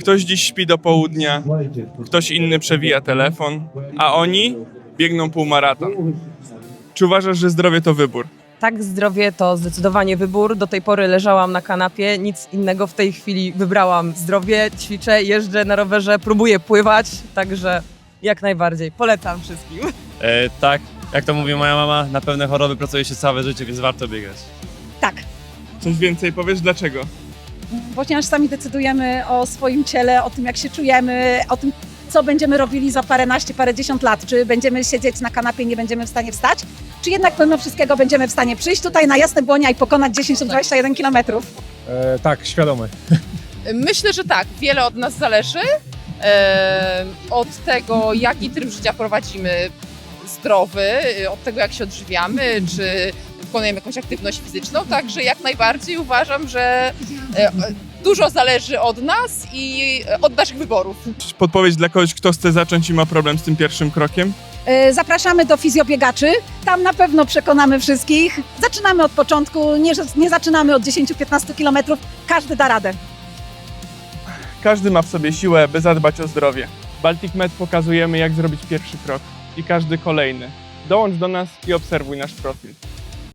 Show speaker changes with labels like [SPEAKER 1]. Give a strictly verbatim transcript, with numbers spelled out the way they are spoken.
[SPEAKER 1] Ktoś dziś śpi do południa, ktoś inny przewija telefon, a oni biegną półmaraton. Czy uważasz, że zdrowie to wybór?
[SPEAKER 2] Tak, zdrowie to zdecydowanie wybór. Do tej pory leżałam na kanapie, nic innego. W tej chwili wybrałam zdrowie, ćwiczę, jeżdżę na rowerze, próbuję pływać, także jak najbardziej. Polecam wszystkim.
[SPEAKER 3] E, tak, jak to mówi moja mama, na pewne choroby pracuje się całe życie, więc warto biegać.
[SPEAKER 4] Tak,
[SPEAKER 1] Coś więcej powiesz? Dlaczego?
[SPEAKER 4] ponieważ sami decydujemy o swoim ciele, o tym jak się czujemy, o tym co będziemy robili za paręnaście, parędziesiąt lat. Czy będziemy siedzieć na kanapie i nie będziemy w stanie wstać, czy jednak pomimo wszystkiego będziemy w stanie przyjść tutaj na Jasne Błonia i pokonać dziesięć lub dwadzieścia jeden kilometrów.
[SPEAKER 5] E, tak, świadomy.
[SPEAKER 6] Myślę, że tak. Wiele od nas zależy. E, od tego, jaki tryb życia prowadzimy zdrowy, od tego, jak się odżywiamy, czy wykonujemy jakąś aktywność fizyczną. Także jak najbardziej uważam, że e, dużo zależy od nas i od naszych wyborów.
[SPEAKER 1] Podpowiedź dla kogoś, kto chce zacząć i ma problem z tym pierwszym krokiem?
[SPEAKER 4] Yy, Zapraszamy do fizjobiegaczy, tam na pewno przekonamy wszystkich. Zaczynamy od początku, nie, nie zaczynamy od dziesięć do piętnastu kilometrów, każdy da radę.
[SPEAKER 1] Każdy ma w sobie siłę, by zadbać o zdrowie. W Baltic Med pokazujemy, jak zrobić pierwszy krok i każdy kolejny. Dołącz do nas i obserwuj nasz profil.